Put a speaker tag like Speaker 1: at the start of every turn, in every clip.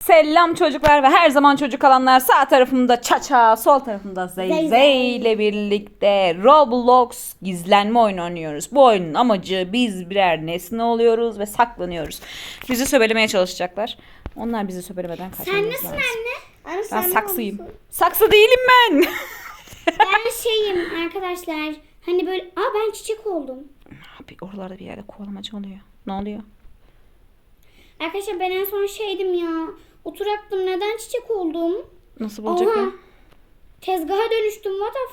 Speaker 1: Selam çocuklar ve her zaman çocuk alanlar. Sağ tarafımda Çaça, sol tarafımda Zeyzey ile birlikte Roblox gizlenme oyunu oynuyoruz. Bu oyunun amacı biz birer nesne oluyoruz ve saklanıyoruz. Bizi söbelemeye çalışacaklar. Onlar bizi söbelemeden kaçmamız lazım.
Speaker 2: Sen nesin anne? Anne
Speaker 1: Ben
Speaker 2: sen
Speaker 1: saksıyım.
Speaker 2: ne olmuşsun?
Speaker 1: Saksı değilim ben.
Speaker 2: Ben şeyim arkadaşlar. Hani böyle ben çiçek oldum.
Speaker 1: Abi oralarda bir yerde kovalamaca oluyor. Ne oluyor?
Speaker 2: Arkadaşlar ben en son şeydim ya. Oturaktım, neden çiçek oldum?
Speaker 1: Nasıl bulacak
Speaker 2: Oha.
Speaker 1: ya?
Speaker 2: Tezgaha dönüştüm, what the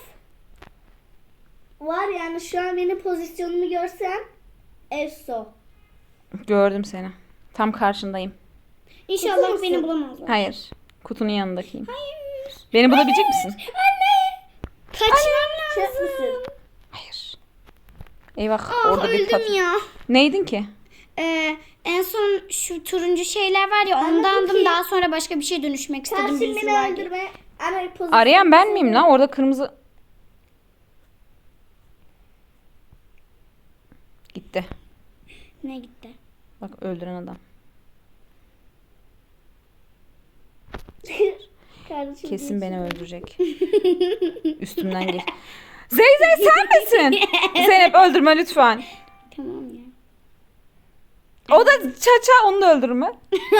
Speaker 3: Var yani şu an benim pozisyonumu görsen Efso.
Speaker 1: Gördüm seni. Tam karşındayım.
Speaker 2: İnşallah
Speaker 3: Kutu
Speaker 2: beni
Speaker 3: musun?
Speaker 2: bulamazlar.
Speaker 1: Hayır. Kutunun yanındakiyim.
Speaker 2: Hayır.
Speaker 1: Beni bulabilecek misin?
Speaker 2: Anne. Kaçmam
Speaker 3: Çöp
Speaker 2: lazım.
Speaker 3: müsün?
Speaker 1: Hayır. Eyvah.
Speaker 2: Ah
Speaker 1: orada bir
Speaker 2: öldüm ya.
Speaker 1: Neydin ki?
Speaker 2: En son şu turuncu şeyler var ya,
Speaker 3: Anne,
Speaker 2: ondandım.
Speaker 3: Cookie.
Speaker 2: Daha sonra başka bir şey dönüşmek istedim.
Speaker 3: Karşım
Speaker 2: birisi
Speaker 3: beni
Speaker 2: var diye.
Speaker 3: öldürme. Ana pozisyon.
Speaker 1: Arayan ben miyim lan? Orada kırmızı... Gitti.
Speaker 2: Ne gitti?
Speaker 1: Bak öldüren adam.
Speaker 3: Kardeşim
Speaker 1: Kesin
Speaker 3: değil.
Speaker 1: beni öldürecek. Üstümden geç. Zeyzey sen misin? Zeynep öldürme lütfen.
Speaker 2: Tamam ya.
Speaker 1: O da Çaça, onu da öldürme.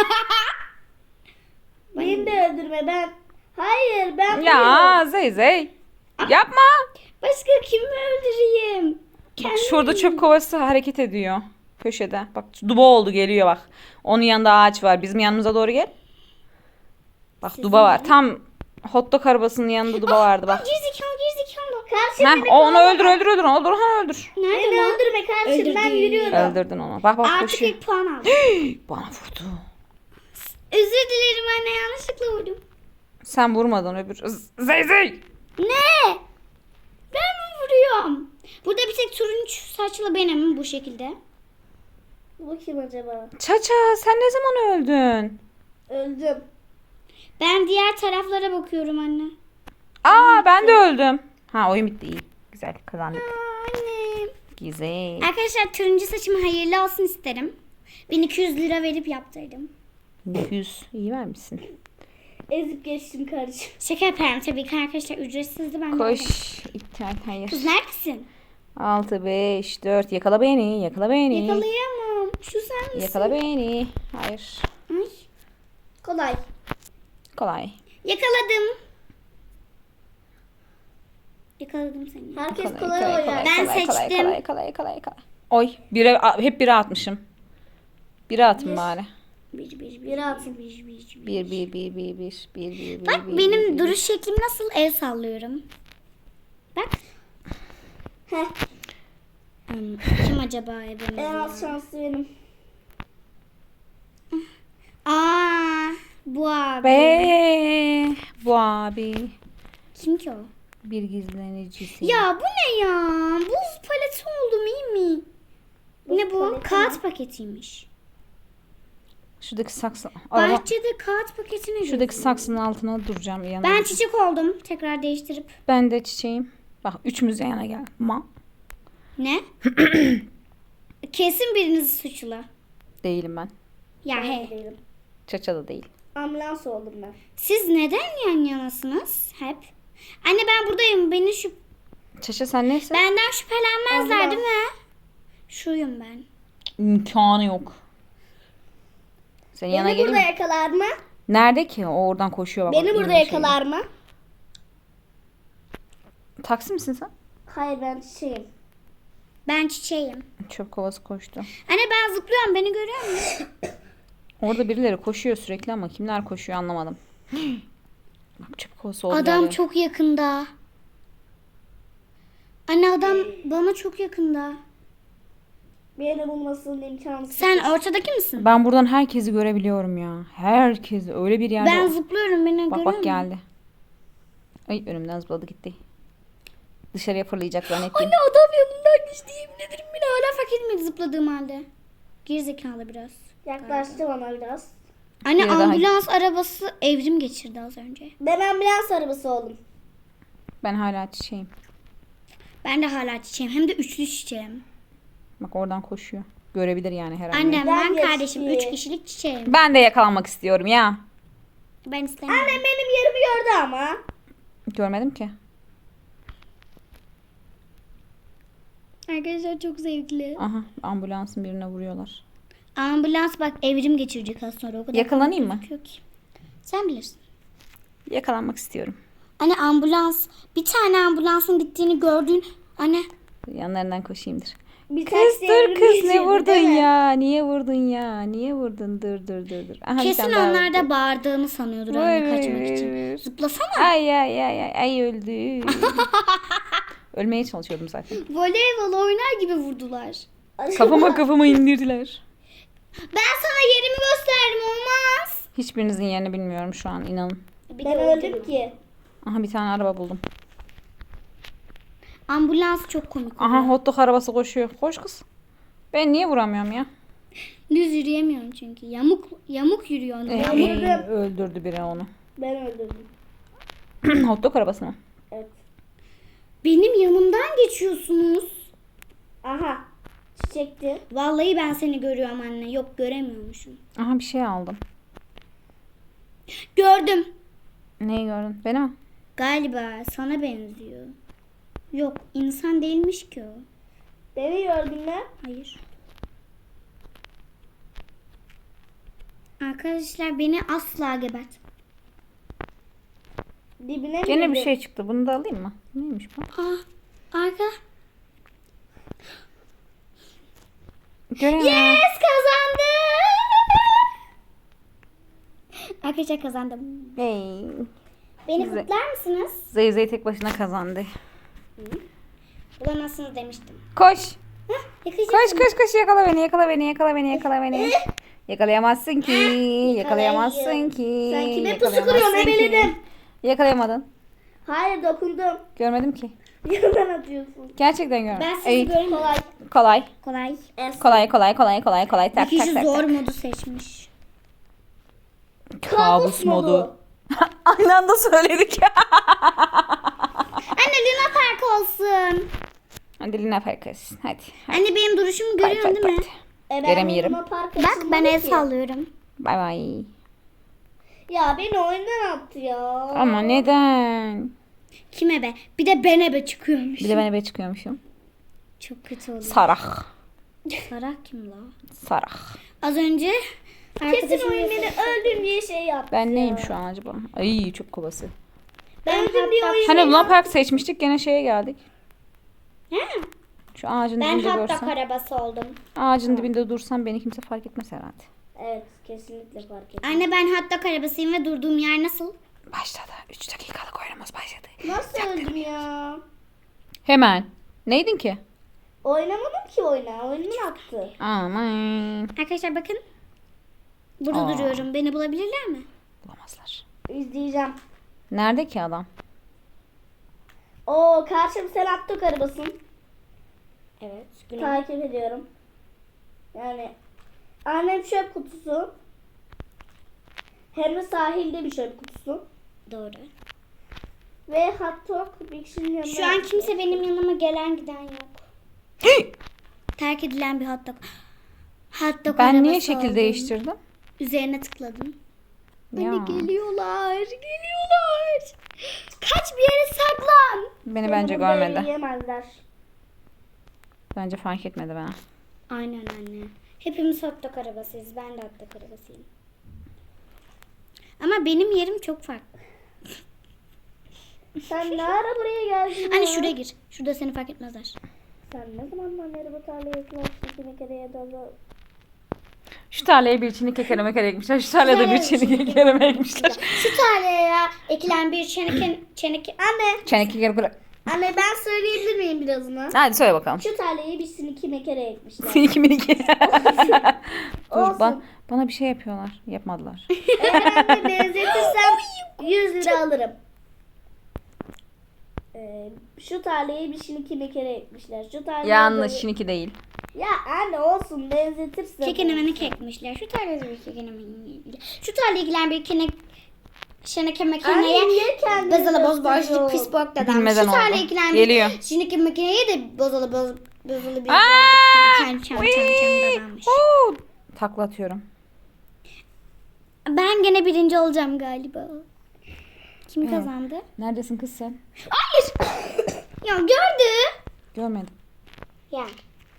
Speaker 3: Beni de öldürme ben. Hayır ben
Speaker 1: Ya Zeyzey. Yapma.
Speaker 2: Başka kimi öldüreyim?
Speaker 1: Bak şurada çöp kovası hareket ediyor. Köşede. Bak duba oldu, geliyor bak. Onun yanında ağaç var. Bizim yanımıza doğru gel. Bak duba var. Tam hot dog arabasının yanında duba vardı bak.
Speaker 2: Gerizekalı gerizekalı.
Speaker 3: Karşım
Speaker 1: Heh, onu öldür. Onu öldür.
Speaker 2: Nerede
Speaker 3: Beni
Speaker 2: lan?
Speaker 3: öldürme kardeşim ben
Speaker 2: Öldürdü.
Speaker 3: yürüyorum.
Speaker 1: Öldürdün onu. Bak bak
Speaker 2: Artık
Speaker 1: koşuyor.
Speaker 2: ilk puan aldım.
Speaker 1: Bana vurdu.
Speaker 2: Özür dilerim anne, yanlışlıkla vurdum.
Speaker 1: Sen vurmadın öbür. Zeyzey.
Speaker 2: Ne? Ben mi vuruyorum? Burada bir tek turuncu saçlı benim bu şekilde.
Speaker 3: Bu kim acaba?
Speaker 1: Çaça sen ne zaman öldün?
Speaker 3: Öldüm.
Speaker 2: Ben diğer taraflara bakıyorum anne.
Speaker 1: Aa ben de öldüm. Ha oyun bitti, iyi. Güzel kazandık.
Speaker 2: Annem.
Speaker 1: Güzel.
Speaker 2: Arkadaşlar turuncu saçım hayırlı olsun isterim. 1200 lira verip yaptırdım.
Speaker 1: 200 iyi vermişsin.
Speaker 3: Ezip geçtim kardeşim.
Speaker 2: Şaka yaparım tabii ki arkadaşlar, ücretsizdi ben de
Speaker 1: Koş.
Speaker 2: aldım.
Speaker 1: İptal, hayır.
Speaker 2: Kız neredesin?
Speaker 1: 6, 5, 4. Yakala beni. Yakala beni.
Speaker 2: Yakalayamam. Şu sen misin?
Speaker 1: Yakala beni. Hayır.
Speaker 2: Ay.
Speaker 3: Kolay.
Speaker 1: Kolay.
Speaker 2: Yakaladım. Yakaladım seni.
Speaker 3: Herkes kolay oynar.
Speaker 2: Ben
Speaker 1: kolay,
Speaker 2: seçtim.
Speaker 1: Kolay. Oy. Hep bire atmışım. Bire atın bari.
Speaker 3: Bir atın.
Speaker 1: Bir.
Speaker 2: Bak benim duruş şeklim nasıl, el sallıyorum. Bak.
Speaker 3: Heh.
Speaker 2: Kim acaba evimde?
Speaker 3: En az şanslı benim.
Speaker 2: Aa, bu abi.
Speaker 1: Be. Bu abi.
Speaker 2: Kim ki o?
Speaker 1: Bir gizlenicisi.
Speaker 2: Ya bu ne ya? Buz paleti oldum, iyi mi? Ne bu?
Speaker 3: paleti
Speaker 2: Kağıt paketiymiş.
Speaker 1: Şuradaki saksı. Araba.
Speaker 2: Bahçede kağıt paketine
Speaker 1: Şuradaki
Speaker 2: gördüm.
Speaker 1: saksının altına duracağım yanına.
Speaker 2: Ben çiçek oldum. Tekrar değiştirip.
Speaker 1: Ben de çiçeğim. Bak üçümüz yan yana gel.
Speaker 2: Ne? Kesin biriniz suçlu.
Speaker 1: Değilim ben.
Speaker 2: Ya
Speaker 3: Ben
Speaker 2: he.
Speaker 3: değilim.
Speaker 1: Çaça da değil.
Speaker 3: Ambulans oldum ben.
Speaker 2: Siz neden yan yanasınız hep? Anne ben buradayım.
Speaker 1: Çaça sen neyse?
Speaker 2: Benden şüphelenmezler
Speaker 3: Allah.
Speaker 2: değil mi? Şuyum ben.
Speaker 1: İmkanı yok. Senin yana
Speaker 3: Beni
Speaker 1: geleyim
Speaker 3: burada
Speaker 1: mi?
Speaker 3: yakalar mı?
Speaker 1: Nerede ki? O oradan koşuyor. Bak,
Speaker 3: Beni
Speaker 1: bak,
Speaker 3: burada
Speaker 1: yeni
Speaker 3: yakalar mı?
Speaker 1: Taksi misin sen?
Speaker 3: Hayır ben çiçeğim.
Speaker 2: Ben çiçeğim.
Speaker 1: Çöp kovası koştu.
Speaker 2: Anne ben zıplıyorum. Beni görüyor musun?
Speaker 1: Orada birileri koşuyor sürekli ama kimler koşuyor anlamadım. Bak çöp kovası oldu.
Speaker 2: Adam
Speaker 1: galiba.
Speaker 2: çok yakında. Anne adam bana çok yakında.
Speaker 3: Beni bulmasının imkansız.
Speaker 2: Sen ortadaki misin?
Speaker 1: Ben buradan herkesi görebiliyorum ya. Herkesi öyle bir yerde.
Speaker 2: Ben zıplıyorum. Beni görüyor
Speaker 1: Bak
Speaker 2: musun?
Speaker 1: geldi. Ay önümden zıpladı gitti. Dışarıya fırlayacak zannettim.
Speaker 2: Anne adam yanından geçti. Yemin ederim beni hala fark etmedi zıpladığım halde. Gerizekalı biraz.
Speaker 3: Yaklaştı bana biraz.
Speaker 2: Anne
Speaker 1: Biri daha-
Speaker 2: ambulans arabası evrim geçirdi az önce.
Speaker 3: Ben ambulans arabası oldum.
Speaker 1: Ben hala çiçeğim.
Speaker 2: Ben de hala çiçeğim. Hem de üçlü çiçeğim.
Speaker 1: Bak oradan koşuyor. Görebilir yani her an.
Speaker 2: Annem,
Speaker 3: Ben
Speaker 2: ben
Speaker 3: geçti.
Speaker 2: kardeşim 3 kişilik çiçeğim.
Speaker 1: Ben de yakalanmak istiyorum ya.
Speaker 2: Ben istemiyorum.
Speaker 3: Annem benim yerimi gördü ama.
Speaker 1: Görmedim ki.
Speaker 2: Arkadaşlar çok zevkli.
Speaker 1: Aha, ambulansın birine vuruyorlar.
Speaker 2: Ambulans bak evrim geçirecek az sonra. O kadar
Speaker 1: Yakalanayım mı?
Speaker 2: gözüküyor ki. Sen bilirsin.
Speaker 1: Yakalanmak istiyorum.
Speaker 2: Anne ambulans. Bir tane ambulansın gittiğini gördün. Anne.
Speaker 1: Yanlarından koşayımdır.
Speaker 3: Bir
Speaker 1: Kız
Speaker 3: taksi
Speaker 1: dur
Speaker 3: evrim
Speaker 1: kız ne
Speaker 3: geçirdi,
Speaker 1: vurdun
Speaker 3: değil mi?
Speaker 1: ya? Niye vurdun ya? Niye vurdun? Dur. Aha, bir
Speaker 2: Kesin
Speaker 1: tane daha
Speaker 2: onlar
Speaker 1: vurdu.
Speaker 2: da bağırdığını sanıyordur anne kaçmak için. Zıplasana.
Speaker 1: Ay öldü. Ölmeye çalışıyordum zaten.
Speaker 2: Voleybol oynar gibi vurdular.
Speaker 1: Kafama indirdiler.
Speaker 2: Ben sana yerimi gösterdim olmaz.
Speaker 1: Hiçbirinizin yerini bilmiyorum şu an inanın.
Speaker 3: Ben öldüm ki.
Speaker 1: Aha bir tane araba buldum.
Speaker 2: Ambulans çok komik.
Speaker 1: Aha hot dog arabası koşuyor. Koş kız. Ben niye vuramıyorum ya?
Speaker 2: Düz yürüyemiyorum çünkü. Yamuk yürüyor.
Speaker 1: Öldürdü biri onu.
Speaker 3: Ben öldürdüm.
Speaker 1: Hot dog arabası mı?
Speaker 3: Evet.
Speaker 2: Benim yanımdan geçiyorsunuz.
Speaker 3: Aha. Çiçekti.
Speaker 2: Vallahi ben seni görüyorum anne. Yok göremiyormuşum.
Speaker 1: Aha bir şey aldım.
Speaker 2: Gördüm.
Speaker 1: Neyi gördün? Beni mi?
Speaker 2: Galiba sana benziyor. Yok insan değilmiş ki o.
Speaker 3: Beni gördün mü?
Speaker 2: Hayır. Arkadaşlar beni asla gebert.
Speaker 3: Dibine mi
Speaker 1: Gene bir
Speaker 3: girdin?
Speaker 1: şey çıktı. Bunu da alayım mı? Neymiş bu?
Speaker 2: Arka.
Speaker 1: Göremiyorum.
Speaker 2: Yes kazandım. Arkadaşlar kazandım.
Speaker 1: Hey.
Speaker 2: Beni
Speaker 1: Güzel.
Speaker 2: kutlar mısınız?
Speaker 1: Zeyzey tek başına kazandı.
Speaker 2: Bulamazsınız demiştim.
Speaker 1: Koş.
Speaker 2: Yakalayacağım.
Speaker 1: Koş yakala beni. Yakalayamazsın ki. Yakalayamazsın ki.
Speaker 3: Sen kime
Speaker 1: yakalayamazsın
Speaker 3: pusu kuruyorsun
Speaker 1: ki.
Speaker 3: ebeledin?
Speaker 1: Yakalayamadın.
Speaker 3: Hayır dokundum.
Speaker 1: Görmedim ki.
Speaker 3: Yandan atıyorsun.
Speaker 1: Gerçekten görmedim.
Speaker 2: Ben sizi
Speaker 1: Ey,
Speaker 2: göremiyorum.
Speaker 3: Kolay.
Speaker 1: kolay.
Speaker 2: Kolay.
Speaker 1: Kolay.
Speaker 2: Bir
Speaker 1: Tak
Speaker 2: kişi
Speaker 1: tak tak.
Speaker 2: zor
Speaker 1: tak.
Speaker 2: modu seçmiş.
Speaker 1: Kabus modu. Aynı anda söyledik.
Speaker 2: Anne Luna Park olsun.
Speaker 1: Hadi Lina Farkas. Hadi.
Speaker 2: Anne benim duruşumu görüyorsun değil mi?
Speaker 3: Ben
Speaker 1: Göremiyorum.
Speaker 3: Luna Park
Speaker 2: Bak ben el
Speaker 3: açılmadı ki.
Speaker 2: sallıyorum.
Speaker 1: Bay bay.
Speaker 3: Ya beni oyundan attı ya.
Speaker 1: Ama neden?
Speaker 2: Kime be? Bir de ben ebe çıkıyormuş.
Speaker 1: Bir de ben eve çıkıyormuşum.
Speaker 2: Çok kötü oldu.
Speaker 1: Sarak.
Speaker 2: Sarak kim la?
Speaker 1: Sarak.
Speaker 2: Az önce
Speaker 3: Kesin
Speaker 2: arkadaşım
Speaker 3: oyun beni öldüm diye şey yaptı.
Speaker 1: Ben
Speaker 3: ya.
Speaker 1: neyim şu an acaba? Ay çöp kovası.
Speaker 3: Ben öldüm diye oyun.
Speaker 1: Hani Luna Park seçmiştik gene şeye geldik.
Speaker 2: Ha,
Speaker 1: Şu ağacın
Speaker 2: ben
Speaker 1: dibinde
Speaker 2: hatta
Speaker 1: dursam.
Speaker 2: arabası oldum.
Speaker 1: Ağacın dibinde dursam beni kimse fark etmez herhalde.
Speaker 3: Evet kesinlikle fark ettim.
Speaker 2: Anne ben hatta arabasıyım ve durduğum yer nasıl?
Speaker 1: Başladı. 3 dakikalık oyunumuz başladı.
Speaker 3: Nasıl öldüm ya?
Speaker 1: Hemen. Neydin ki?
Speaker 3: Oynamadım ki oyuna. Oyundan attı.
Speaker 1: Aman.
Speaker 2: Arkadaşlar bakın. Burada
Speaker 1: Aa.
Speaker 2: duruyorum. Beni bulabilirler mi?
Speaker 1: Bulamazlar.
Speaker 3: İzleyeceğim.
Speaker 1: Nerede ki adam?
Speaker 3: Oo karşım sen attık arabasın.
Speaker 2: Evet.
Speaker 3: Takip ediyorum. Yani annem çöp kutusu. Hem de sahilde bir çöp kutusu.
Speaker 2: Doğru.
Speaker 3: Ve hot dog bir kişinin yanına.
Speaker 2: Şu an kimse benim yanıma gelen giden yok. Terk edilen bir hot dog. Hot dog
Speaker 1: Ben niye
Speaker 2: arabası
Speaker 1: şekil
Speaker 2: oldum.
Speaker 1: değiştirdim?
Speaker 2: Üzerine tıkladım.
Speaker 1: Ya.
Speaker 2: Anne geliyorlar. Kaç bir yere saklan.
Speaker 1: Beni bence
Speaker 3: burada
Speaker 1: görmedi.
Speaker 3: yiyemezler.
Speaker 1: Bence fark etmedi bana.
Speaker 2: Aynen anne. Hepimiz hot dog arabasıyız. Ben de hot dog arabasıyım. Ama benim yerim çok farklı.
Speaker 3: Sen ne ara buraya geldin
Speaker 2: Anne
Speaker 3: ya?
Speaker 2: şuraya gir. Şurada seni fark etmezler.
Speaker 3: Sen ne zamandan beri bu tarlaya yaklaştın bir kere ya da
Speaker 1: Şu tarlaya bir çini kekere mekere ekmişler. Şu tarlaya da bir çini kekere ekmişler.
Speaker 2: Şu tarlaya ekilen bir çeneke...
Speaker 3: Anne,
Speaker 1: Çene kekere bırak.
Speaker 3: anne ben söyleyebilir miyim birazını?
Speaker 1: Hadi söyle bakalım.
Speaker 3: Şu tarlayı bir siniki mekere ekmişler.
Speaker 1: Seninki miniki. Dur
Speaker 3: Olsun.
Speaker 1: bana bir şey yapıyorlar. Yapmadılar.
Speaker 3: Eğer ben de benzetirsem 100 lira alırım. Şu tarlayı bir siniki mekere ekmişler. Şu tarlayı
Speaker 1: Yanlış şiniki değil.
Speaker 3: Ya anne olsun benzetirsen.
Speaker 2: Kekenemeni kekmişler. Şu tarlaya bir kekenemeni... Şu tarlaya ekilen bir şeneke
Speaker 3: Anne
Speaker 2: makineye...
Speaker 3: niye kendini
Speaker 2: Bozalı boz
Speaker 3: gösteriyor?
Speaker 2: boş pis bok dedem.
Speaker 1: Bilmeden
Speaker 2: Şu tarlaya
Speaker 1: oldu.
Speaker 2: ekilen
Speaker 1: Geliyor.
Speaker 2: bir şeneke makineye de bozalı bir...
Speaker 1: Aa!
Speaker 2: Çam dedemmiş.
Speaker 1: Takla atıyorum.
Speaker 2: Ben gene birinci olacağım galiba. Kim
Speaker 1: Evet.
Speaker 2: kazandı?
Speaker 1: Neredesin kız sen?
Speaker 2: Hayır. Ya gördü.
Speaker 1: Görmedim.
Speaker 2: Ya.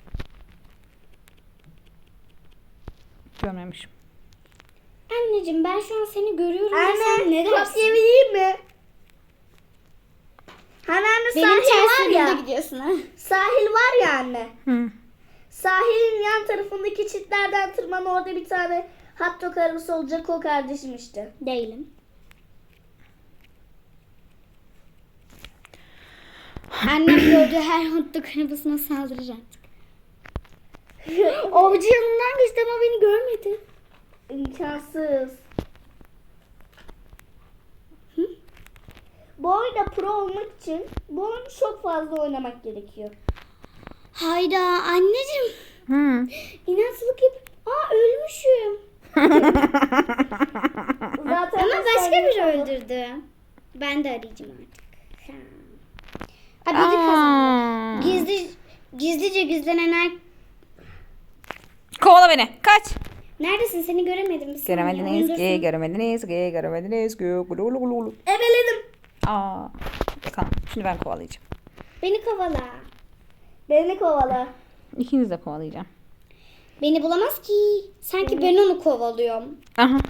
Speaker 1: Görmemişim.
Speaker 2: Anneciğim ben şu an seni görüyorum. ve sen
Speaker 3: Anne
Speaker 2: ne dersin?
Speaker 3: kopyalayayım mı? Hani anne
Speaker 2: Benim
Speaker 3: sahil
Speaker 2: ters
Speaker 3: var
Speaker 2: yönümde
Speaker 3: ya.
Speaker 2: gidiyorsun ha.
Speaker 3: Sahil var ya anne.
Speaker 1: Hı.
Speaker 3: Sahilin yan tarafındaki çitlerden tırman, orada bir tane hot dog arabası olacak, o kardeşim işte.
Speaker 2: Değilim. Annem gördüğü her hot dog arabasına saldıracak. Avcı yanından geçti ama beni görmedi.
Speaker 3: İmkansız. Bu oyunda pro olmak için bu oyunu çok fazla oynamak gerekiyor.
Speaker 2: Hayda anneciğim.
Speaker 1: Hı.
Speaker 2: İnatçılık yap. Aa ölmüşüm.
Speaker 3: Zaten
Speaker 2: Ama
Speaker 3: ben
Speaker 2: başka
Speaker 3: sahil-
Speaker 2: biri öldürdü. Ben de arayacağım artık. Ha biri kazandı. Gizlice gizlenen
Speaker 1: Kovala beni. Kaç.
Speaker 2: Neredesin? Seni göremedim. Bir saniye,
Speaker 1: Göremediniz
Speaker 2: oyundasın.
Speaker 1: ki, göremediniz ki, göremediniz ki. Gulu gulu gulu gulu.
Speaker 3: Ebeledim.
Speaker 1: Aa. Bakalım. Şimdi ben kovalayacağım.
Speaker 2: Beni kovala.
Speaker 3: Beni kovala.
Speaker 1: İkiniz de kovalayacağım.
Speaker 2: Beni bulamaz ki. Sanki ben onu kovalıyorum.
Speaker 1: Aha.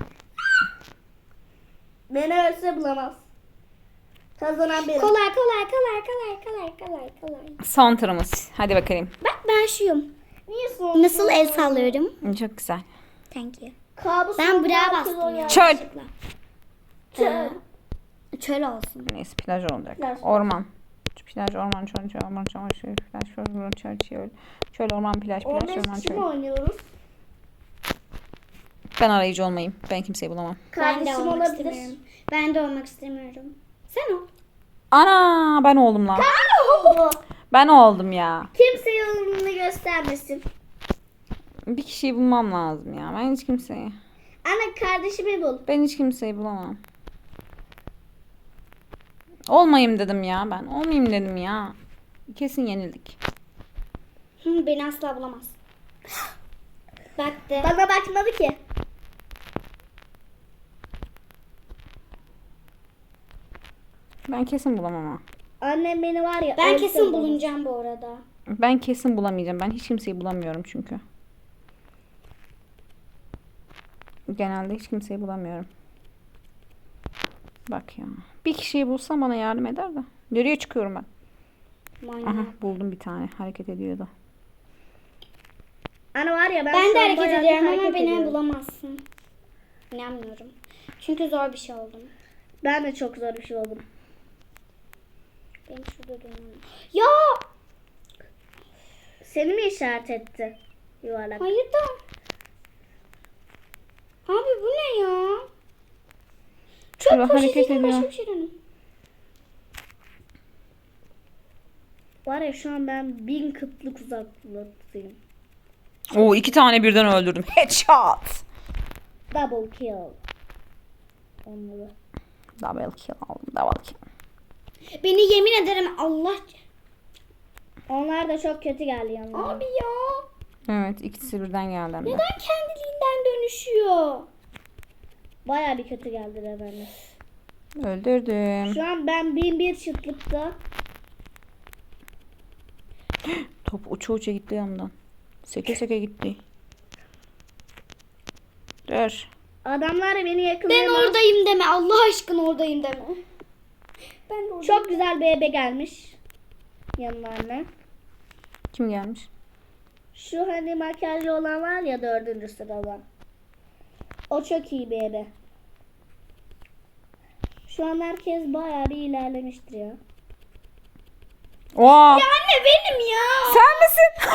Speaker 3: Beni ölse bulamaz. Kazanan benim.
Speaker 2: Kolay kolay kolay kolay kolay kolay kolay.
Speaker 1: Son turumuz. Hadi bakayım.
Speaker 2: Bak ben şuyum.
Speaker 3: Niye son?
Speaker 2: Nasıl el sallıyorum?
Speaker 1: Çok güzel.
Speaker 2: Thank you.
Speaker 3: Kabus
Speaker 2: Ben
Speaker 3: olmayan
Speaker 2: buraya
Speaker 3: kız
Speaker 2: bastım
Speaker 3: oynuyor.
Speaker 2: ya.
Speaker 1: Çöl.
Speaker 2: yanlışlıkla.
Speaker 3: Çöl.
Speaker 2: Çöl olsun.
Speaker 1: Neyse plaj olacak.
Speaker 3: Plaj.
Speaker 1: Orman. Plaj, orman, çöl, orman, çöl, plaj, orman, çöl. Çöl, orman, plaj,
Speaker 3: 15
Speaker 1: orman,
Speaker 3: kişi mi
Speaker 1: çöl.
Speaker 3: oynuyoruz?
Speaker 1: Ben arayıcı olmayayım. Ben kimseyi bulamam.
Speaker 2: Ben de
Speaker 3: Kardeşim
Speaker 2: olmak
Speaker 3: olabilir.
Speaker 2: istemiyorum. Ben de olmak istemiyorum. Sen ol.
Speaker 1: Ana ben oldum lan. Ben oldum ya.
Speaker 3: Kimse yolunu göstermesin.
Speaker 1: Bir kişiyi bulmam lazım ya. Ben hiç kimseyi.
Speaker 3: Ana kardeşimi bul.
Speaker 1: Ben hiç kimseyi bulamam. Olmayayım dedim ya ben. Olmayayım dedim ya. Kesin yenildik.
Speaker 2: Beni asla bulamaz. Baktı.
Speaker 3: Bana bakmadı ki.
Speaker 1: Ben kesin bulamam ama.
Speaker 3: Annem beni var ya.
Speaker 2: Ben
Speaker 3: ölse
Speaker 2: kesin
Speaker 3: bulamaz.
Speaker 2: bulunacağım bu arada.
Speaker 1: Ben kesin bulamayacağım. Ben hiç kimseyi bulamıyorum çünkü. Genelde hiç kimseyi bulamıyorum. Bak ya. Bir kişiyi bulsam bana yardım eder de. Nereye çıkıyorum ben?
Speaker 2: Manyak.
Speaker 1: Aha buldum bir tane. Hareket ediyordu.
Speaker 3: Ana var ya ben,
Speaker 2: Ben
Speaker 3: şu
Speaker 2: de
Speaker 3: an
Speaker 2: hareket
Speaker 3: bayağı bir
Speaker 2: ediyorum ama
Speaker 3: hareket
Speaker 2: beni
Speaker 3: ediyorum.
Speaker 2: bulamazsın. İnanmıyorum. Çünkü zor bir şey oldum.
Speaker 3: Ben de çok zor bir şey oldum.
Speaker 2: Benim şurada durmam. Ya!
Speaker 3: Seni mi işaret etti? Yuvarlak.
Speaker 2: Hayır da. Abi bu ne ya?
Speaker 1: Şurada
Speaker 2: Çok
Speaker 1: hareket
Speaker 2: poşetiyle başka
Speaker 1: ediyor.
Speaker 2: bir şey dönün.
Speaker 3: Var ya şu an ben 1000 kıtlık uzaklıktayım.
Speaker 1: Oo 2 tane birden öldürdüm. Headshot.
Speaker 3: Double kill. Onları.
Speaker 1: Double kill aldım. Double kill.
Speaker 2: Beni yemin ederim Allah.
Speaker 3: Onlar da çok kötü geldi yanlarına.
Speaker 2: Abi ya.
Speaker 1: Evet ikisi birden geldi hem de.
Speaker 2: Neden kendiliğinden dönüşüyor?
Speaker 3: Baya bir kötü geldiler bana.
Speaker 1: Öldürdüm.
Speaker 3: Şu an ben 1001 çıtlıkta.
Speaker 1: Top uça uça gitti yanımdan. Seke seke gitti. Dur.
Speaker 3: Adamlar beni
Speaker 2: Ben
Speaker 3: yakalayamaz.
Speaker 2: oradayım deme. Allah aşkına oradayım deme. Ben de oradayım.
Speaker 3: Çok güzel bir ebe gelmiş. Yanlarına.
Speaker 1: Kim gelmiş?
Speaker 3: Şu hani makyajlı olan var ya 4. sırada. O çok iyi bir ebe. Şu an herkes bayağı bir ilerlemiştir ya.
Speaker 1: Oha.
Speaker 2: Anne benim ya.
Speaker 1: Sen misin?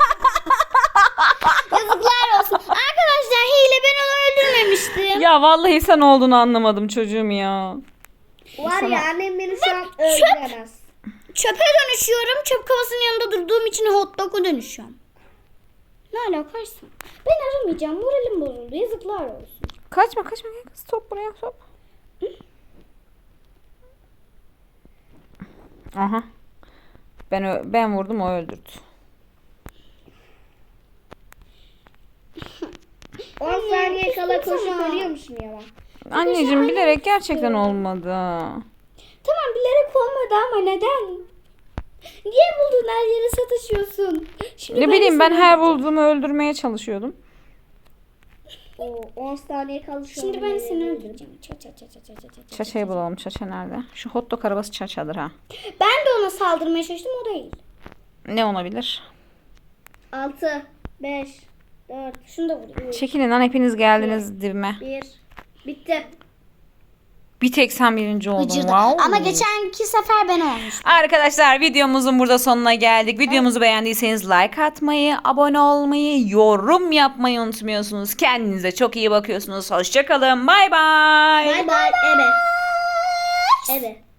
Speaker 2: Yazıklar olsun. Arkadaşlar hile, ben onu öldürmemiştim.
Speaker 1: Ya vallahi sen olduğunu anlamadım çocuğum ya.
Speaker 3: Var ya annem beni şu an öldüremez.
Speaker 2: Çöpe dönüşüyorum. Çöp kovasının yanında durduğum için hot dog'a dönüşüyorum. Ne alakaysa. Ben aramayacağım. Moralim bozuldu. Yazıklar olsun.
Speaker 1: Kaçma kaçma gel kız top buraya top. Aha. Ben vurdum o öldürdü.
Speaker 3: 10 saniye kala koşup ölüyormuşum ya ben.
Speaker 1: Anneciğim bilerek gerçekten olmadı.
Speaker 2: Tamam bilerek olmadı ama neden? Niye buldun her yere sataşıyorsun? Şimdi
Speaker 1: Ne
Speaker 2: de
Speaker 1: bileyim ben
Speaker 2: seni
Speaker 1: her
Speaker 2: öldüreceğim.
Speaker 1: bulduğumu öldürmeye çalışıyordum.
Speaker 3: O 10 saniye kaldı şu
Speaker 2: Şimdi
Speaker 3: an.
Speaker 2: ben seni öldüreceğim. Ça ça ça ça ça ça ça.
Speaker 1: Çaça'yı bulalım. Çaça nerede? Şu hot dog arabası Çaça'dır ha.
Speaker 2: Ben de ona saldırmaya çalıştım o değil.
Speaker 1: Ne olabilir?
Speaker 3: 6, 5, 4,
Speaker 2: Şunu da vurayım.
Speaker 1: Çekilin lan hepiniz geldiniz dibime.
Speaker 3: 1. Bitti.
Speaker 1: Bir tek sen birinci oldun.
Speaker 2: Gıcırdı.
Speaker 1: Wow.
Speaker 2: Ama geçenki sefer ben olmuştum.
Speaker 1: Arkadaşlar videomuzun burada sonuna geldik. Videomuzu beğendiyseniz like atmayı, abone olmayı, yorum yapmayı unutmuyorsunuz. Kendinize çok iyi bakıyorsunuz. Hoşçakalın. Bay bay.
Speaker 3: Bay bay. Ebe. Ebe.